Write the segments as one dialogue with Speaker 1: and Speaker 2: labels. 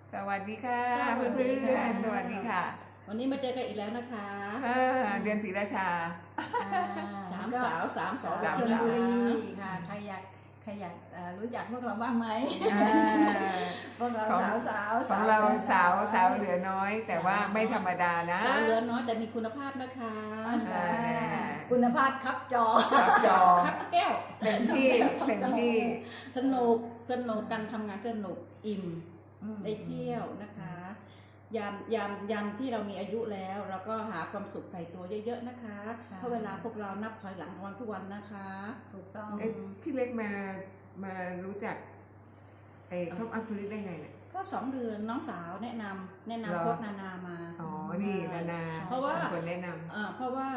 Speaker 1: สวัสดีค่ะเพื่อนๆสวัสดีค่ะ
Speaker 2: วันนี้มาเจอกันอีกแล้วนะคะ
Speaker 1: เดือนศรีราชา
Speaker 2: สามสาวสามสอง
Speaker 3: ชลบุรีค่ะใครอยากรู้จักพวกเราบ้างไหมพวกเราสาว
Speaker 1: ของเราสาวเหลือน้อย แต่ว่าไม่ธรรมดานะ
Speaker 2: สาวเหลือน้อยแต่มีคุณภาพนะคะ
Speaker 3: คุณภาพครับจอ
Speaker 2: ครับแก้ว
Speaker 1: เต็มที่
Speaker 2: สนุกกันทำงานสนุกอิ่มได้เที่ยวนะคะยามที่เรามีอายุแล้วเราก็หาความสุขใส่ตัวเยอะๆนะคะเพราะเวลาพวกเรานับถอยหลังวันทุกวันนะคะ
Speaker 3: ถูกต้อง
Speaker 1: พี่เล็กมารู้จักท็อปอัพทูริสได้ไงเนี่ย
Speaker 2: ก็2 เดือนน้องสาวแนะนำพวกนานามา
Speaker 1: นี่นานา
Speaker 2: เพราะว่า
Speaker 1: คนแนะนำ
Speaker 2: เพราะว่า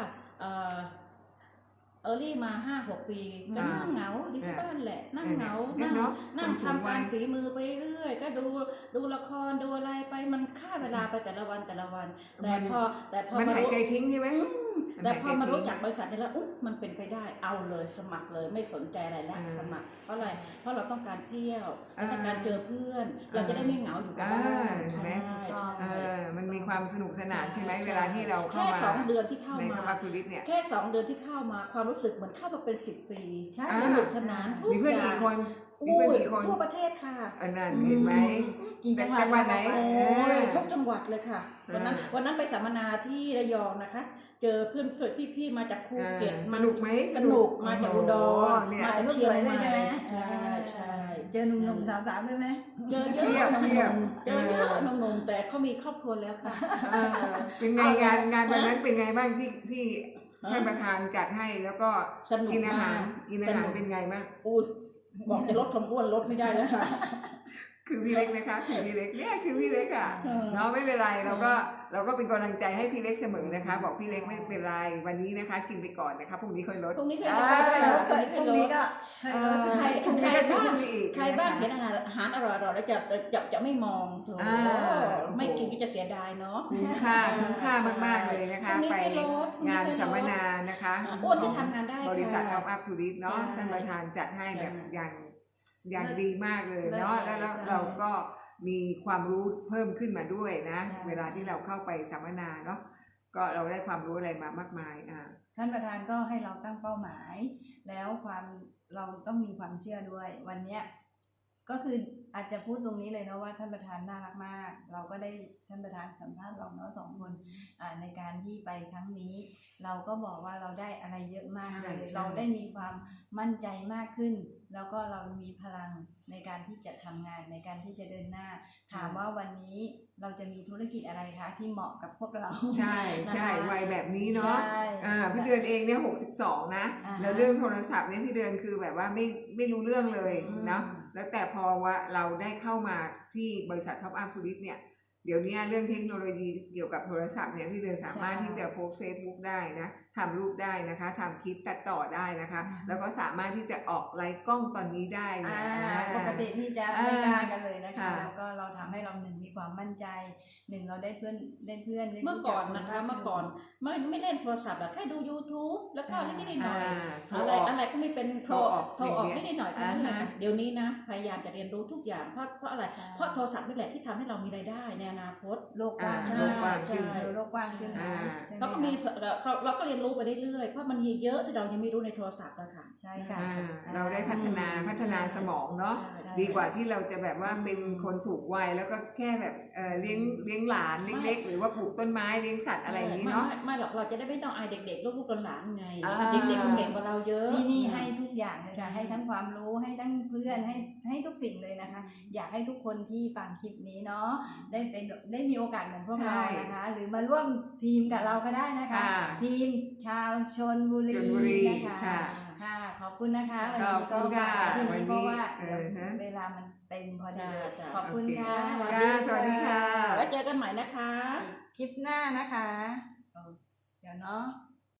Speaker 2: เออรี่มา 5-6 ปีก็นั่งเหงาอยู่ที่บ้านแหละนั่งเหงานั่งทำงานฝีมือไปเรื่อยก็ดูละครดูอะไรไปมันฆ่าเวลาไปแต่ละวันแต่พอ
Speaker 1: มันหายใจทิ้งใช่ไหม
Speaker 2: แต่พอมารู้จักบริษัทนี้แล้วมันเป็นไปได้เอาเลยสมัครเลยไม่สนใจอะไรแล้วสมัครเพราะอะไรเพราะเราต้องการเที่ยวต้องการเจอเพื่อนเราจะได้ไม่เหงาอยู่กับบ้านใช่
Speaker 1: มันมีความสนุกสนานใช่ไหมเวลาที่เราเข้ามา
Speaker 2: แค่2 เดือนที่เข้ามา
Speaker 1: เนี่ย
Speaker 2: แค่2 เดือนที่เข้ามาความรู้สึกเหมือนเข้ามาเป็น10 ปีสนุกสนานทุกอย่าง
Speaker 1: มีเพื่อนกี่คน
Speaker 2: ทั่วประเทศค่ะ
Speaker 1: นั่นเห็นไหม
Speaker 3: กี่จังหวัด
Speaker 1: ไหน
Speaker 2: ทุกจังหวัดเลยค่ะวันนั้นไปสัมมนาที่ระยองนะคะเจอเพื่อนพี่มาจากภูเก็ต
Speaker 1: สนุกไหม
Speaker 2: สนุกมาจากอุดรมาจากเชียงใหม่ใช่
Speaker 3: เจอหนุ่มๆสาวๆด้วยไหม
Speaker 2: เจอเยอะหนุ่มแต่เขามีครอบครัวแล้วค่ะ
Speaker 1: เป็นไงงานวันนั้นเป็นไงบ้างที่ท่านประธานจัดให้แล้วก็กินอาหารเป็นไงบ้าง
Speaker 2: บอกจะลดความอ้วนลดไม่ได้แล้วค่ะ
Speaker 1: คือพี่เล็กนะคะคือพี่เล็กเนี่ยคือพี่เล็กอ่ะเนาะไม่เป็นไรเราก็เป็นกำลังใจให้พี่เล็กเสมอนะคะบอกพี่เล็กไม่เป็นไรวันนี้นะคะกินไปก่อนนะคะพรุ่งนี้ค่อยลด
Speaker 2: พรุ่งนี้ค่อยลดพรุ่งนี้ก็ใครบ้างเห็นอาหารอร่อยๆแล้วจะไม่มองไม่กินก็จะเสียดายเนาะ
Speaker 1: คุ้มค่ามากๆเลยนะคะไปงานสัมมนานะคะ
Speaker 2: อ้วนจะทำงานได้
Speaker 1: บริษัทท็อปอัพทูริสเนาะท่านประธานจัดให้แบบอย่างดีมากเลยเนาะแล้วเราก็มีความรู้เพิ่มขึ้นมาด้วยนะเวลาที่เราเข้าไปสัมมนาเนาะก็เราได้ความรู้อะไรมามากมาย
Speaker 3: ท่านประธานก็ให้เราตั้งเป้าหมายแล้วเราต้องมีความเชื่อด้วยวันเนี้ยก็คืออาจจะพูดตรงนี้เลยนะว่าท่านประธานน่ารักมากเราก็ได้ท่านประธานสัมภาษณ์เราเนาะ2 คนในการที่ไปครั้งนี้เราก็บอกว่าเราได้อะไรเยอะมากเลยเราได้มีความมั่นใจมากขึ้นแล้วก็เรามีพลังในการที่จะทำงานในการที่จะเดินหน้าถามว่าวันนี้เราจะมีธุรกิจอะไรคะที่เหมาะกับพวกเรา
Speaker 1: ใช่วัยแบบนี้เนาะพี่เดือนเองเนี่ย62นะแล้วเรื่องโทรศัพท์เนี่ยพี่เดือนคือแบบว่าไม่รู้เรื่องเลยเนาะแล้วแต่พอว่าเราได้เข้ามาที่บริษัทท็อปอัพทูริสเนี่ยเดี๋ยวนี้เรื่องเทคโนโลยีเกี่ยวกับโทรศัพท์เนี่ยพี่เดือนสามารถที่จะโพสเฟซบุ๊กได้นะทำรูปได้นะคะทำคลิปตัดต่อได้นะคะแล้วก็สามารถที่จะออกไลฟ์กล้องตอนนี้ได้นะ
Speaker 3: ปกติที่จะไม่กล้ากันเลยนะคะแล้วก็เราทำให้เรามีความมั่นใจเราได้เพื่อน
Speaker 2: เมื่อก่อนนะคะเมื่อก่อนไม่เล่นโทรศัพท์แค่ดู YouTube แล้วก็นิดหน่อยอะไรก็ไม่เป็นโทรออกนิดหน่อยเท่านั้นแหละเดี๋ยวนี้นะพยายามจะเรียนรู้ทุกอย่างเพราะอะไรเพราะโทรศัพท์นี่แหละที่ทำให้เรามีรายได้ในอนาคต
Speaker 3: โลกกว้างขึ้น
Speaker 2: เราก็มีเราก็เรียนรู้ไปเรื่อยๆเพราะมันมีเยอะที่เรายังไม่รู้ในโทรศัพท์แล้วค่ะ
Speaker 3: ใช่ค่ะ
Speaker 1: เราได้พัฒนาสมองเนาะดีกว่าที่เราจะแบบว่าเป็นคนสูงวัยแล้วก็แค่แบบเลี้ยงหลานเล็กๆหรือว่าปลูกต้นไม้เลี้ยงสัตว์อะไรอย่างนี้เนาะ
Speaker 2: ไม่หรอกเราจะได้ไม่ต้องอายเด็กๆลูกหลานไงเด็กๆเก่งกว่าเราเยอะ
Speaker 3: นี่ให้ทุกอย่างเลยค่ะให้ทั้งความรู้ให้ทั้งเพื่อนให้ทุกสิ่งเลยนะคะอยากให้ทุกคนที่ฟังคลิปนี้เนาะได้มีโอกาสเหมือนพวกเรานะคะหรือมาร่วมทีมกับเราก็ได้นะคะทีมชาวชลบุรีนะคะค่ะขอบคุณนะคะวันนี้ก็มาที่นี่เพราะว่าเวลามันเต็มพอดีขอบคุณค่ะ
Speaker 1: สวัสดีค่ะ
Speaker 2: ไว้เจอกันใหม่นะคะ
Speaker 3: คลิปหน้านะคะเดี๋ยวเนาะ